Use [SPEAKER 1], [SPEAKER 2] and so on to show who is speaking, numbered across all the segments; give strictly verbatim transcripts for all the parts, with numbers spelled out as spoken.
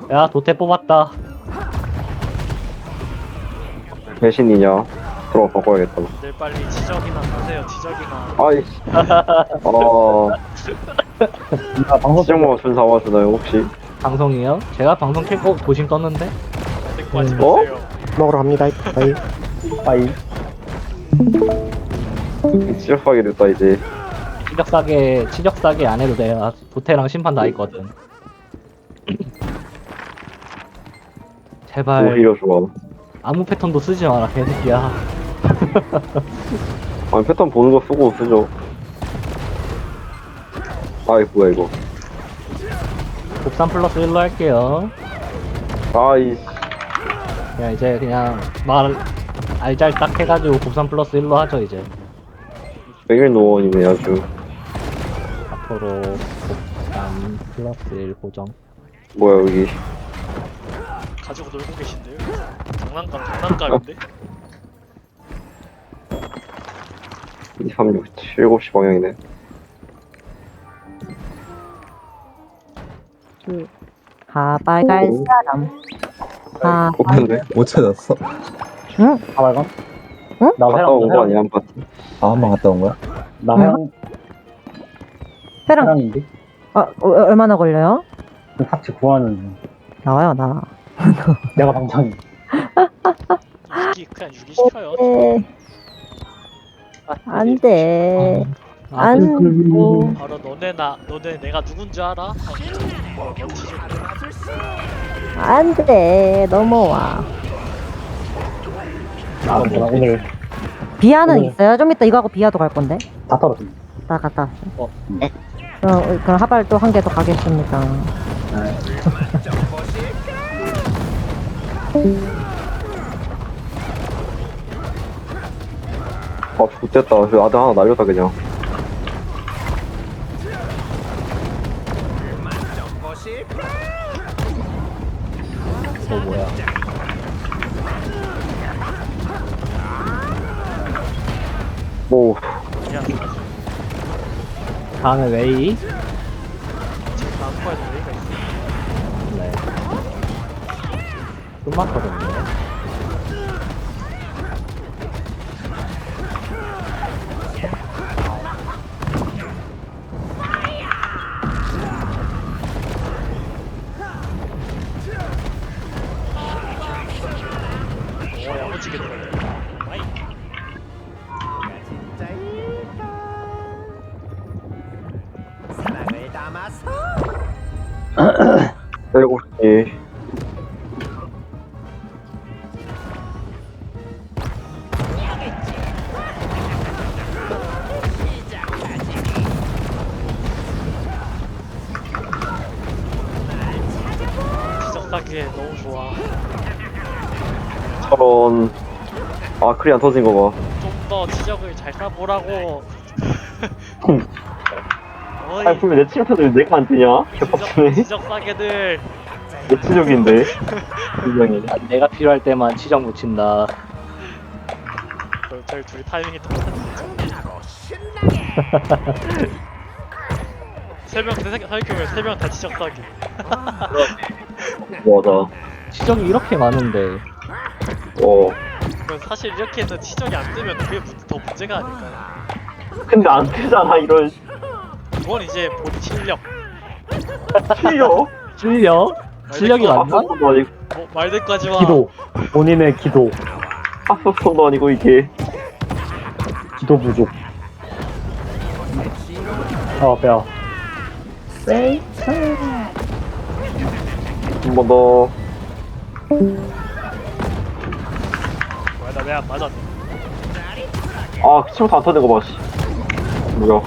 [SPEAKER 1] 야, 도태 뽑았다.
[SPEAKER 2] 배신이냐? 들어 바꿔야겠다.
[SPEAKER 3] 늘 빨리 지적이나 하세요. 지적이나.
[SPEAKER 2] 아이씨. 어.
[SPEAKER 4] 아, 방송
[SPEAKER 2] 시정모 준사 와주나요 혹시?
[SPEAKER 1] 방송이요? 제가 방송 켜고 도심 떴는데?
[SPEAKER 3] 데리고 하지
[SPEAKER 2] 어?
[SPEAKER 3] 마세요.
[SPEAKER 5] 먹으러 갑니다. 바이.
[SPEAKER 4] 빠이.
[SPEAKER 2] 시작하게 됐다 이제.
[SPEAKER 1] 치적 싸게, 치적 싸게 안 해도 돼요. 아, 도태랑 심판 다 있거든. 제발,
[SPEAKER 2] 오히려 좋아.
[SPEAKER 1] 아무 패턴도 쓰지 마라, 개새끼야.
[SPEAKER 2] 아니 패턴 보는 거 쓰고 쓰죠. 아이 뭐야 이거.
[SPEAKER 1] 곱삼 플러스 일로 할게요.
[SPEAKER 2] 아이씨.
[SPEAKER 1] 그냥 이제 그냥 말 알잘딱 해가지고 곱삼 플러스 일로 하죠, 이제.
[SPEAKER 2] 백일 노원이네 아주.
[SPEAKER 1] 앞으로 곱삼 플러스 일 고정.
[SPEAKER 2] 뭐야 여기.
[SPEAKER 3] 가지고 놀고 계신데요? 장난감, 장난감인데?
[SPEAKER 2] 이, 삼, 육, 칠, 일곱 시 방향이네.
[SPEAKER 6] 가발갈
[SPEAKER 2] 오.
[SPEAKER 6] 사람. 아,
[SPEAKER 2] 뽑혔네.
[SPEAKER 7] 못 찾았어?
[SPEAKER 6] 응?
[SPEAKER 4] 아, 말감?
[SPEAKER 6] 응?
[SPEAKER 4] 나
[SPEAKER 2] 갔다 온 거 아니야 한 파티?
[SPEAKER 7] 아, 한 번 갔다 온 거야?
[SPEAKER 4] 나
[SPEAKER 6] 응.
[SPEAKER 4] 해랑,
[SPEAKER 6] 회랑,
[SPEAKER 4] 해랑인데?
[SPEAKER 6] 어, 어, 얼마나 걸려요?
[SPEAKER 4] 그 파츠 구하는 중.
[SPEAKER 6] 나와요, 나.
[SPEAKER 4] 내가 방장이.
[SPEAKER 3] 유기, 그냥 유기 시켜요.
[SPEAKER 6] 네. 안 돼.
[SPEAKER 1] 아,
[SPEAKER 6] 안,
[SPEAKER 1] 그-
[SPEAKER 3] 바로 너네 나, 너네 내가 누군지 알아?
[SPEAKER 6] 안 돼. 넘어와.
[SPEAKER 4] 아, 나 오늘
[SPEAKER 6] 비아는
[SPEAKER 4] 네.
[SPEAKER 6] 있어요? 좀 이따 이거하고 비아도 갈 건데.
[SPEAKER 4] 다 떨어졌네.
[SPEAKER 6] 나 갔다 왔어.
[SPEAKER 1] 어.
[SPEAKER 6] 그럼, 그럼 하발 또 한 개 더 가겠습니다.
[SPEAKER 2] 아 좋됐다. 저 아들 하나 날렸다 그냥.
[SPEAKER 1] 또 뭐야?
[SPEAKER 2] 뭐
[SPEAKER 3] 그냥
[SPEAKER 1] 다음에 웨이.
[SPEAKER 3] 지금 다음 거에도 얘기가 있어.
[SPEAKER 1] 네. 끝났거든요.
[SPEAKER 3] 오, 야무지게 들어야 아이,
[SPEAKER 2] 일곱 시.
[SPEAKER 3] 지적사기에 너무 좋아.
[SPEAKER 2] 저런. 아 크리 안 터진 거 봐.
[SPEAKER 3] 좀 더 지적을 잘 싸보라고. 어이,
[SPEAKER 2] 아니 분명 내 친구들 내가 안 뜨냐?
[SPEAKER 3] 지적,
[SPEAKER 2] 개빡치네.
[SPEAKER 3] 지적사기들.
[SPEAKER 2] 내 치적인데. 분명히.
[SPEAKER 1] 아, 내가 필요할 때만 치정 묻힌다.
[SPEAKER 3] 저- 저희 둘이 타이밍이 똑같은데. 세명 생각해보면 세 명 다 지적사기.
[SPEAKER 2] 맞아.
[SPEAKER 1] 치정이 이렇게 많은데.
[SPEAKER 2] 어.
[SPEAKER 3] 그건 사실 이렇게 해서 치적이 안 뜨면 그게 문- 더 문제가 아닐까요?
[SPEAKER 2] 근데 안 뜨잖아 이런.
[SPEAKER 3] 그건 이제 본인 실력.
[SPEAKER 2] 실력.
[SPEAKER 1] 실력? 실력이
[SPEAKER 3] 아,
[SPEAKER 1] 맞나?
[SPEAKER 2] 합성도 아니고.
[SPEAKER 3] 뭐 말들까지 마.
[SPEAKER 4] 기도. 본인의 기도.
[SPEAKER 2] 합성도 아니고 이게.
[SPEAKER 4] 기도 부족. 어, 뼈.
[SPEAKER 2] 한 번 더.
[SPEAKER 3] 뭐야 나 왜 안 맞았네.
[SPEAKER 2] 아, 그 친구 다 터진 거 봐, 씨. 뭐야.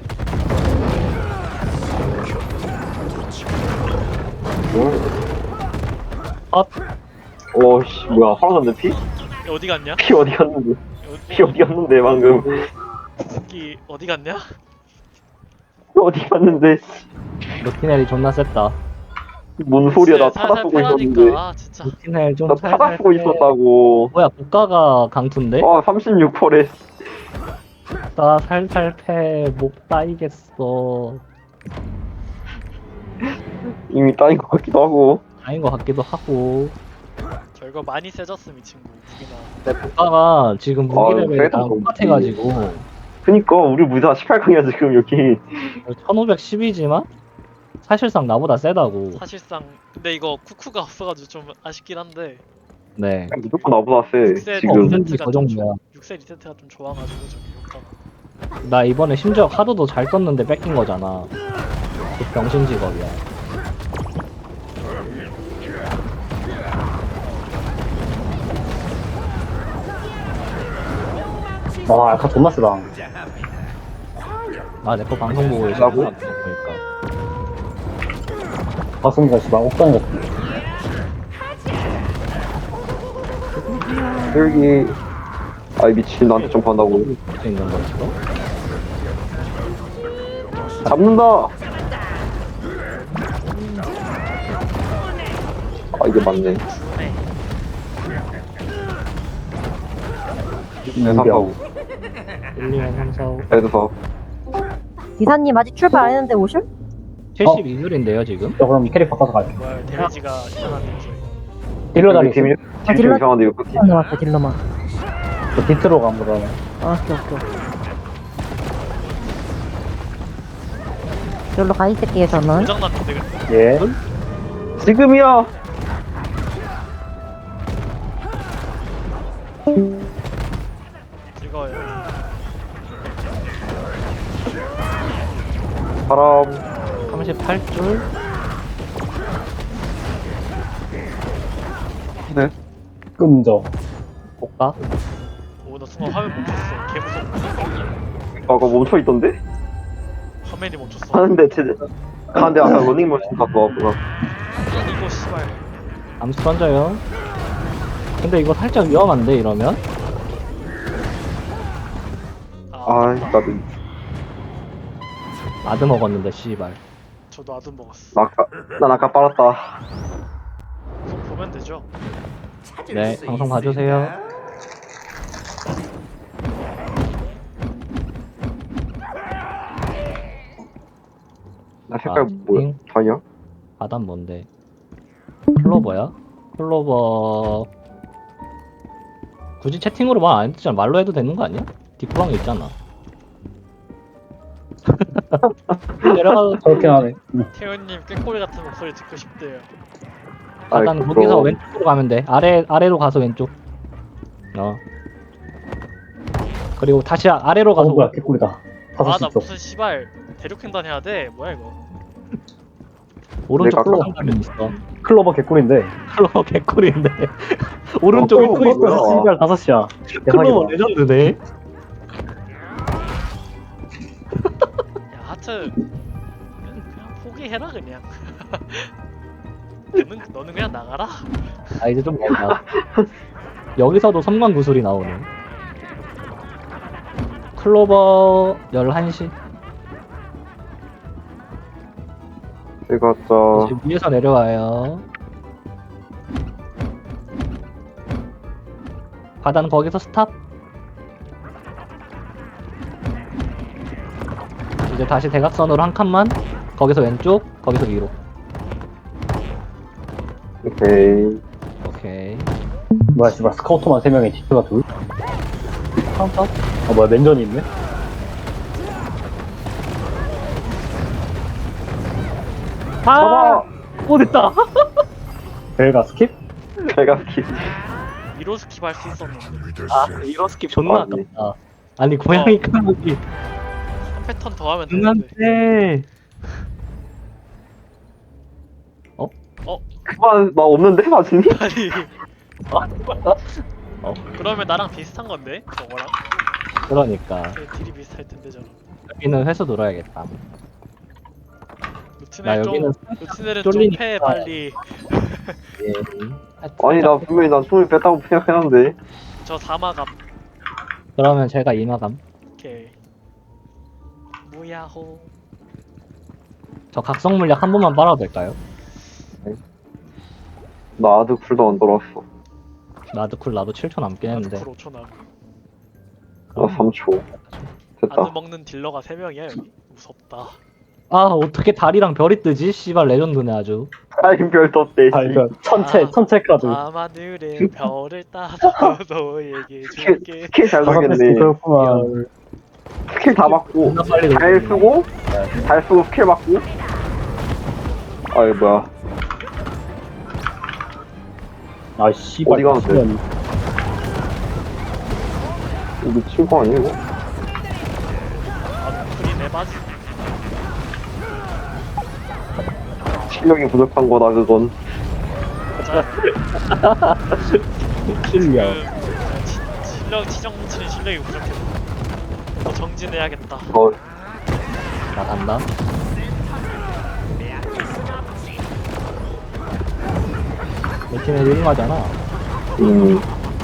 [SPEAKER 1] 아,
[SPEAKER 2] 어, 씨, 뭐야. 사라졌네, 피?
[SPEAKER 3] 어디 갔냐?
[SPEAKER 2] 피 어디 갔는데? 피 어디 갔는데, 방금.
[SPEAKER 3] 새끼 어디 갔냐?
[SPEAKER 2] 피 어디 갔는데, 씨.
[SPEAKER 1] 루티넬이 존나 셌다.
[SPEAKER 2] 뭔 소리야, 나
[SPEAKER 3] 살살
[SPEAKER 2] 타다 쓰고 있었는데.
[SPEAKER 3] 패라니까. 아 진짜.
[SPEAKER 1] 루티넬 좀
[SPEAKER 2] 나 타다
[SPEAKER 1] 살살
[SPEAKER 2] 쓰고
[SPEAKER 1] 패.
[SPEAKER 2] 있었다고.
[SPEAKER 1] 뭐야, 국가가 강투인데?
[SPEAKER 2] 아, 삼십육 퍼래.
[SPEAKER 1] 나 살살 패, 못 따이겠어.
[SPEAKER 2] 이미 따인 것 같기도 하고.
[SPEAKER 1] 아닌 것 같기도 하고.
[SPEAKER 3] 결과 많이 세졌음 이 친구 무기나.
[SPEAKER 1] 근데 국가가 지금 무기
[SPEAKER 2] 아유,
[SPEAKER 1] 레벨이
[SPEAKER 2] 그래도
[SPEAKER 1] 다
[SPEAKER 2] 뭐
[SPEAKER 1] 똑같아가지고
[SPEAKER 2] 그니까 우리 무사 십팔 강이야 지금 여기.
[SPEAKER 1] 천오백십이지만 사실상 나보다 세다고.
[SPEAKER 3] 사실상 근데 이거 쿠쿠가 없어가지고 좀 아쉽긴 한데
[SPEAKER 1] 네.
[SPEAKER 2] 무조건 나보다 세
[SPEAKER 3] 육 세
[SPEAKER 2] 지금.
[SPEAKER 1] 없는지
[SPEAKER 3] 리세트가
[SPEAKER 1] 그
[SPEAKER 3] 좀
[SPEAKER 1] 정도야.
[SPEAKER 3] 육 세 리세트가 좀 좋아가지고 저기 효과가.
[SPEAKER 1] 나 이번에 심지어 카드도 잘 떴는데 뺏긴 거잖아. 그 병신 직업이야.
[SPEAKER 4] 와, 아까 존나 쓰다.
[SPEAKER 1] 아, 내 거 방송 보고 계시구나.
[SPEAKER 2] 나고?
[SPEAKER 1] 보니까.
[SPEAKER 4] 가슴이가 씨발 옥상에 갔어.
[SPEAKER 2] 여기. 아이 미친 나한테 점프한다고.
[SPEAKER 1] 볼수 있는 거 있어?
[SPEAKER 2] 잡는다. 아 이게 맞네. 네, 삼사오.
[SPEAKER 1] 일, 이, 삼, 사, 오.
[SPEAKER 2] 애드사.
[SPEAKER 6] 기사님 아직 출발 안 했는데 오실?
[SPEAKER 1] 칠십이 줄인데요, 지금?
[SPEAKER 4] 저 그럼 캐릭 바꿔서 갈게.
[SPEAKER 3] 뭐야 데미지가 이상한데 저희.
[SPEAKER 4] 딜러 자리 있어.
[SPEAKER 2] 팀이
[SPEAKER 6] 아,
[SPEAKER 2] 팀이
[SPEAKER 6] 딜러-
[SPEAKER 2] 이상한데 이거 끝이.
[SPEAKER 6] 딜러만 왔어 딜러만.
[SPEAKER 4] 저 디트로 가면 그러면.
[SPEAKER 6] 아 오케이 오케이. 여기로 가 있을게요 저는.
[SPEAKER 3] 고장났는데 근데.
[SPEAKER 4] 예.
[SPEAKER 2] 지금이야.
[SPEAKER 3] 즐거워요.
[SPEAKER 2] 바람.
[SPEAKER 1] 삼십팔 줄?
[SPEAKER 2] 네.
[SPEAKER 4] 끔져.
[SPEAKER 1] 볼까?
[SPEAKER 3] 오나 순간 화면 멈췄어. 개 무섭고.
[SPEAKER 2] 아까 멈춰 있던데?
[SPEAKER 3] 화면이 멈췄어.
[SPEAKER 2] 하는데 제. 하는데 아까 러닝머신 갖고 왔구나.
[SPEAKER 3] 이거 씨발.
[SPEAKER 1] 암수 던져요. 근데 이거 살짝 위험한데, 이러면?
[SPEAKER 3] 아,
[SPEAKER 2] 아 나도
[SPEAKER 1] 아드 먹었는데, 씨발.
[SPEAKER 3] 저도 아둔 먹었어.
[SPEAKER 2] 나 아까 난 아까 빨았다.
[SPEAKER 3] 우선 보면 되죠.
[SPEAKER 1] 네, 방송 봐주세요.
[SPEAKER 2] 나 색깔
[SPEAKER 1] 아,
[SPEAKER 2] 뭐야?
[SPEAKER 1] 핑?
[SPEAKER 2] 다이아?
[SPEAKER 1] 바단 뭔데? 클로버야? 클로버... 굳이 채팅으로 말 안 해도 되잖아. 말로 해도 되는 거 아니야? 뒷구랑에 있잖아. 내려가.
[SPEAKER 4] 저렇게 하네. 응.
[SPEAKER 3] 태연님 꾀꼬리 같은 목소리 듣고 싶대요.
[SPEAKER 1] 바단
[SPEAKER 2] 아이,
[SPEAKER 1] 거기서
[SPEAKER 2] 그거-
[SPEAKER 1] 왼쪽으로 가면 돼. 아래, 아래로 가서 왼쪽. 어. 그리고 다시 아- 아래로
[SPEAKER 4] 어,
[SPEAKER 1] 가서
[SPEAKER 4] 뭐야, 개꿀이다. 다섯
[SPEAKER 3] 아
[SPEAKER 4] 시
[SPEAKER 3] 나
[SPEAKER 4] 있어.
[SPEAKER 3] 무슨 씨발 대륙횡단 해야 돼? 뭐야 이거?
[SPEAKER 1] 오른쪽
[SPEAKER 2] 내가
[SPEAKER 1] 클로버
[SPEAKER 2] 아까-
[SPEAKER 1] 가면 있어.
[SPEAKER 4] 클로버 개꿀인데.
[SPEAKER 1] 클로버 개꿀인데. 오른쪽에
[SPEAKER 2] 어,
[SPEAKER 1] 또 있어.
[SPEAKER 2] 뭐야?
[SPEAKER 4] 씨발 다섯 시야.
[SPEAKER 1] 클로버 레전드네.
[SPEAKER 3] 야 하트 그냥, 그냥 포기해라 그냥. 너는 너는 그냥 나가라.
[SPEAKER 1] 아 이제 좀 멀다. 여기서도 섬광 구슬이 나오네. 클로버 열한 시.
[SPEAKER 2] 제가 자
[SPEAKER 1] 이제 위에서 내려와요. 바다는 거기서 스탑. 이제 다시 대각선으로 한 칸만. 거기서 왼쪽, 거기서 위로.
[SPEAKER 2] 오케이.
[SPEAKER 1] 오케이.
[SPEAKER 4] 뭐야, 씨발 스카우터만 세 명에 디트가 둘?
[SPEAKER 1] 카운터.
[SPEAKER 4] 아, 뭐야, 맨전이 있네?
[SPEAKER 1] 아! 오 됐다.
[SPEAKER 4] 벨가 스킵?
[SPEAKER 2] 제가 키.
[SPEAKER 3] 위로 스킵 할 수 있었는데
[SPEAKER 1] 아 이런 스킵 존나
[SPEAKER 2] 아니.
[SPEAKER 1] 아깝다. 아니 고양이
[SPEAKER 3] 어.
[SPEAKER 1] 까먹기
[SPEAKER 3] 한 패턴 더 하면 되는데.
[SPEAKER 1] 눈한테.
[SPEAKER 2] 그만 나 없는데 맞으니?
[SPEAKER 3] 아니
[SPEAKER 1] 어
[SPEAKER 3] 그러면 나랑 비슷한 건데 저거랑
[SPEAKER 1] 그러니까
[SPEAKER 3] 그 딜이 비슷할 텐데 저랑.
[SPEAKER 1] 여기는 회수 눌러야겠다. 나
[SPEAKER 3] 루틴을 좀
[SPEAKER 1] 여기는
[SPEAKER 3] 루틴을
[SPEAKER 1] 쫄리니까.
[SPEAKER 3] 좀패 빨리.
[SPEAKER 1] 예.
[SPEAKER 2] 아니 나 분명히 난 손을 뺐다고 생각했는데.
[SPEAKER 3] 저 사마감.
[SPEAKER 1] 그러면 제가 이마감.
[SPEAKER 3] 오케이. 무야호.
[SPEAKER 1] 저 각성 물약 한 번만 빨아도 될까요?
[SPEAKER 2] 나 아드 쿨도 안 돌아왔어.
[SPEAKER 1] 나도 쿨 나도 칠 초 남긴 했는데.
[SPEAKER 3] 아드 오 초 남.
[SPEAKER 2] 나 삼 초. 됐다.
[SPEAKER 3] 아드 먹는 딜러가 세 명이야 여기. 무섭다.
[SPEAKER 1] 아 어떻게 달이랑 별이 뜨지? 씨발 레전드네 아주.
[SPEAKER 2] 아임 별도 없대.
[SPEAKER 4] 아 이거 천체
[SPEAKER 3] 아.
[SPEAKER 4] 천체 카드.
[SPEAKER 3] 밤하늘에 별을 따서 너에게
[SPEAKER 2] 스킬,
[SPEAKER 3] 줄게.
[SPEAKER 2] 스킬 잘
[SPEAKER 4] 다섯 개
[SPEAKER 2] 돌겠네.
[SPEAKER 4] 그렇구만.
[SPEAKER 2] 스킬 다 받고,
[SPEAKER 1] 존나 빨리
[SPEAKER 2] 잘
[SPEAKER 1] 돌리네.
[SPEAKER 2] 쓰고, 잘 쓰고 스킬 받고. 아, 이거 뭐야.
[SPEAKER 4] 아 씨발.
[SPEAKER 2] 어디 가면 돼?
[SPEAKER 4] 미친년.
[SPEAKER 2] 이거 미친 거 아니야, 이거?
[SPEAKER 3] 아, 풀이 내 바지.
[SPEAKER 2] 실력이 부족한 거다, 그건.
[SPEAKER 3] 자,
[SPEAKER 4] 실력.
[SPEAKER 3] 그 치- 실력 치정 뭉치는 실력이 부족해. 더 정진해야겠다.
[SPEAKER 2] 어,
[SPEAKER 1] 나 간다. 내 팀에 일 하잖아.
[SPEAKER 2] 음.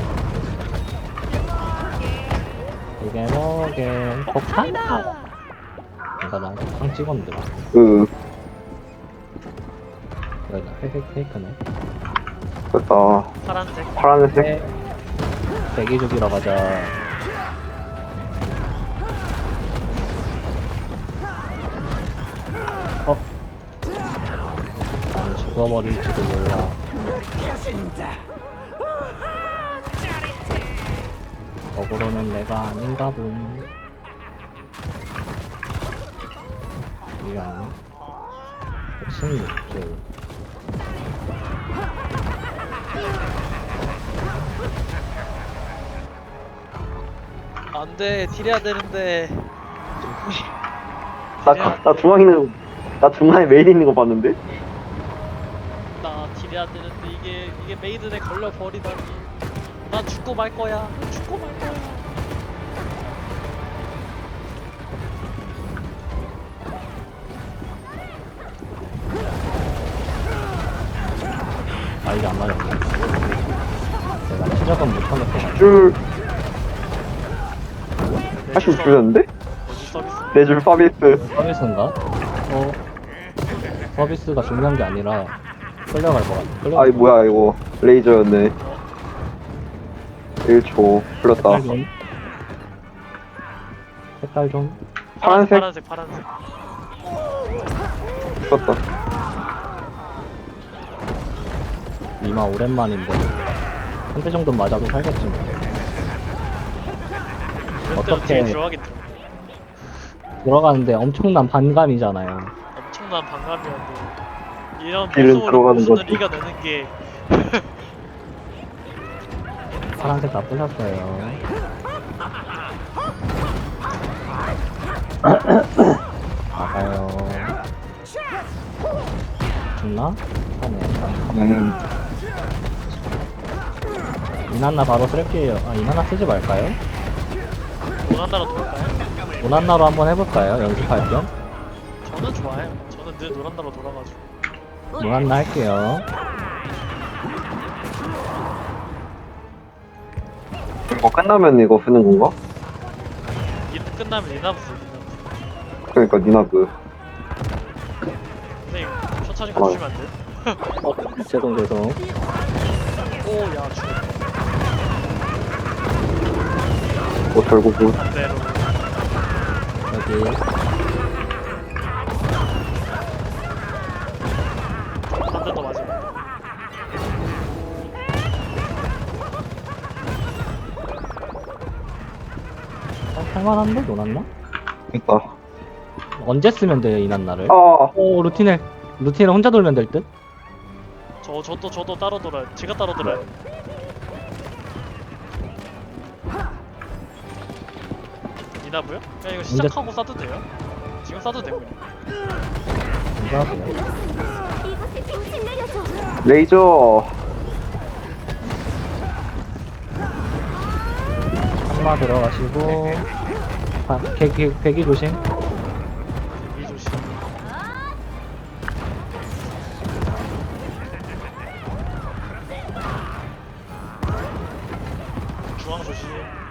[SPEAKER 1] 이게 뭐게 폭탄? 그러니까 난 폭탄 찍었는데 막.
[SPEAKER 2] 그,
[SPEAKER 1] 여기다 회색 페이크네.
[SPEAKER 2] 됐다.
[SPEAKER 3] 파란색.
[SPEAKER 2] 파란색.
[SPEAKER 1] 네. 대기죽이러 가자. 어? 난 죽어버릴지도 몰라. 거꾸로는 내가 아닌가 본. 이게 아니야? 백십육 줄.
[SPEAKER 3] 안돼, 딜해야 되는데.
[SPEAKER 2] 나, 가- 나 중앙에 있는, 나 중앙에 메인 있는 거 봤는데?
[SPEAKER 3] 나 딜해야 되는데 이게 이게 메이든에 걸려 버리다니. 난 죽고 말 거야. 죽고 말 거야.
[SPEAKER 1] 아 이게 안 맞았네. 내가 시작은 못하겠어.
[SPEAKER 2] 줄, 팔십 줄였는데?
[SPEAKER 3] 어디 서비스?
[SPEAKER 2] 네 줄 서비스.
[SPEAKER 1] 서비스인가? 어 서비스가 중요한 게 아니라 끌려갈 것 같아. 끌려갈
[SPEAKER 2] 아이, 뭐야, 이거. 레이저였네. 일 초. 풀렸다.
[SPEAKER 1] 색깔 좀. 색깔 좀.
[SPEAKER 2] 파란색?
[SPEAKER 3] 파란색, 파란색.
[SPEAKER 2] 풀렸다.
[SPEAKER 1] 이마 오랜만인데 한 대 정도 맞아도 살겠지 뭐.
[SPEAKER 3] 그때로
[SPEAKER 1] 어떻게-
[SPEAKER 3] 딜 들어가긴 들어.
[SPEAKER 1] 들어가는데 엄청난 반감이잖아요.
[SPEAKER 3] 엄청난 반감이었는데 이런
[SPEAKER 2] 딜은
[SPEAKER 3] 모습으로
[SPEAKER 2] 들어가는
[SPEAKER 3] 모순을
[SPEAKER 2] 거지.
[SPEAKER 3] 이겨내는 게
[SPEAKER 1] 파란색 다 부셨어요. 나가요. 죽나? 하네.
[SPEAKER 2] 음.
[SPEAKER 1] 이난나 바로 쓸게요. 아 이난나 쓰지 말까요?
[SPEAKER 3] 노란나라 돌까요?
[SPEAKER 1] 오난나로 한번 해볼까요? 연습할 겸?
[SPEAKER 3] 저는 좋아해요. 저는 늘 노란나라 돌아가지고.
[SPEAKER 1] 오난나 할게요.
[SPEAKER 2] 이거 끝나면 이거 쓰는 건가?
[SPEAKER 3] 이 끝나면 리나부스 리나부스.
[SPEAKER 2] 그러니까 니나브.
[SPEAKER 3] 선생님 천천히 가주시면 안 돼요?
[SPEAKER 1] 어, 죄송 죄송.
[SPEAKER 3] 오야 죽었다.
[SPEAKER 2] 뭐 결국은
[SPEAKER 3] 반대로.
[SPEAKER 1] 여기
[SPEAKER 3] 한 대 더 맞으면.
[SPEAKER 1] 어, 할만한데 노났나?
[SPEAKER 2] 있다.
[SPEAKER 1] 언제 쓰면 돼요 이난나를?
[SPEAKER 2] 아,
[SPEAKER 1] 오 루틴을 루틴을 혼자 돌면 될 듯?
[SPEAKER 3] 저 저도 저도 따로 돌아요. 제가 따로 돌아요. 이나부요? 그냥 이거 시작하고 쏴도 돼요? 지금 쏴도 되고.
[SPEAKER 1] 감사하고요.
[SPEAKER 5] 이곳에 당신 내려줘.
[SPEAKER 2] 레이저.
[SPEAKER 1] 한마 들어가시고 아, 개기 개기 조심.
[SPEAKER 3] 이 조심. 중앙 조심.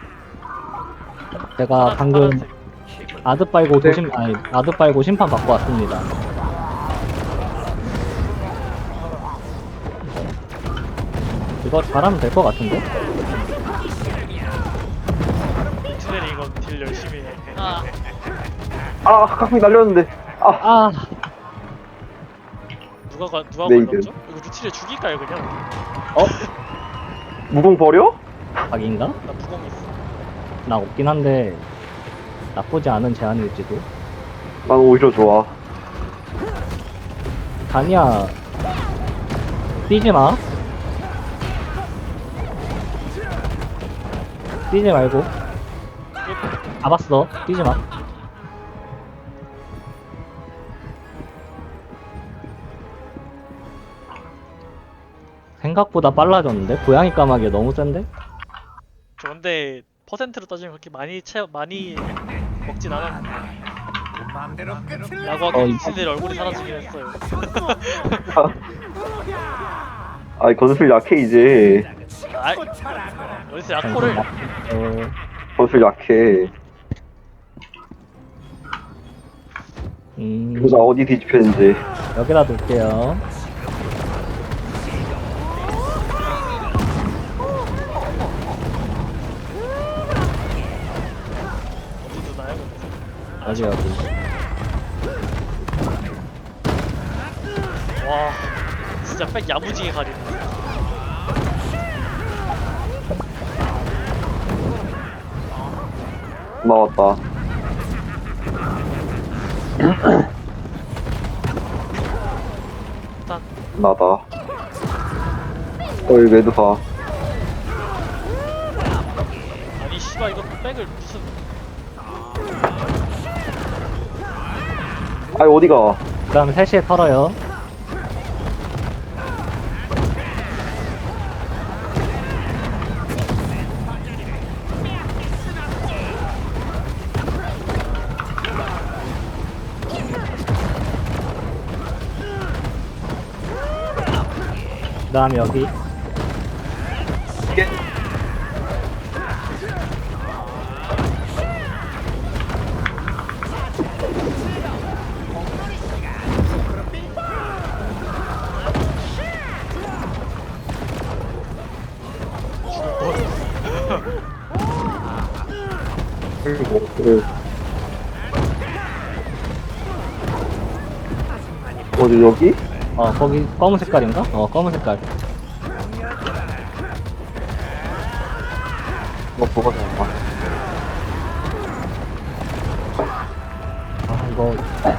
[SPEAKER 1] 제가
[SPEAKER 3] 파란색,
[SPEAKER 1] 방금
[SPEAKER 3] 파란색.
[SPEAKER 1] 아드 빨고
[SPEAKER 2] 네.
[SPEAKER 1] 도심 아니 아드 빨고 심판 받고 왔습니다. 이거 잘하면 될 것 같은데?
[SPEAKER 3] 인트넬이 이건 딜 열심히 해. 아,
[SPEAKER 2] 아, 가끔이 날렸는데.
[SPEAKER 1] 아,
[SPEAKER 3] 누가 가, 누가
[SPEAKER 2] 메이드.
[SPEAKER 3] 걸렸죠? 이거 루티를 죽일까요 그냥?
[SPEAKER 2] 무공 버려?
[SPEAKER 1] 각인가?
[SPEAKER 3] 나 무공 있어.
[SPEAKER 1] 나 없긴 한데 나쁘지 않은 제안일지도.
[SPEAKER 2] 난 오히려 좋아.
[SPEAKER 1] 다니야, 뛰지 마. 뛰지 말고. 잡았어. 뛰지 마. 생각보다 빨라졌는데? 고양이 까마귀 너무 센데?
[SPEAKER 3] 저 근데 퍼센트로 따지면 그렇게 많이 채 많이 먹진 않았는데. 야구하기
[SPEAKER 1] 어,
[SPEAKER 3] 미친들 얼굴이 사라지긴 했어요.
[SPEAKER 2] 아이, 건술 약해, 이제.
[SPEAKER 3] 아이, 어디서 약호를
[SPEAKER 1] 어,
[SPEAKER 2] 건술 약해.
[SPEAKER 1] 음,
[SPEAKER 2] 그래서 어디 뒤집혔는지.
[SPEAKER 1] 여기다 둘게요.
[SPEAKER 3] 어디 두나요?
[SPEAKER 1] 여기, 여기.
[SPEAKER 3] 와, 진짜 백 야무지게 가리네.
[SPEAKER 2] 나왔다.
[SPEAKER 3] 일단
[SPEAKER 2] 나다. 어이, 매드사.
[SPEAKER 3] 아니 씨발 이거 백을 무슨
[SPEAKER 2] 아이, 어디가?
[SPEAKER 1] 그 다음에 세 시에 털어요. 그 다음에 여기.
[SPEAKER 2] 그리고, 그래. 어디, 여기?
[SPEAKER 1] 어, 거기 검은 색깔인가? 어, 검은 색깔.
[SPEAKER 2] 뭐, 뭐가 나와?
[SPEAKER 1] 아, 이거.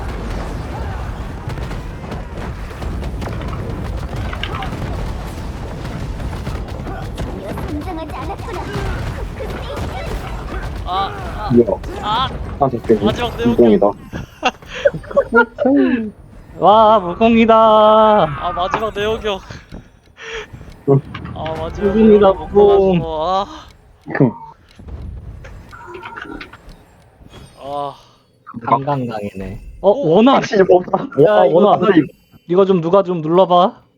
[SPEAKER 5] 긴장하지 않았구나.
[SPEAKER 3] 아, 아,
[SPEAKER 2] 뭐야?
[SPEAKER 3] 아,
[SPEAKER 2] 아, 됐겠네.
[SPEAKER 3] 마지막 내용.
[SPEAKER 2] 무공이다.
[SPEAKER 1] 와, 무공이다.
[SPEAKER 3] 아 마지막 내역이요.
[SPEAKER 2] 응.
[SPEAKER 3] 아 마지막
[SPEAKER 1] 무공이다,
[SPEAKER 3] 내역을 못
[SPEAKER 1] 무공.
[SPEAKER 3] 봐가지고, 아, 아,
[SPEAKER 1] 강강강이네. 어, 원한.
[SPEAKER 2] 확실히 없다.
[SPEAKER 1] 야,
[SPEAKER 2] 와,
[SPEAKER 1] 이거
[SPEAKER 2] 원한.
[SPEAKER 1] 누가- 이거 좀 누가 좀 눌러봐.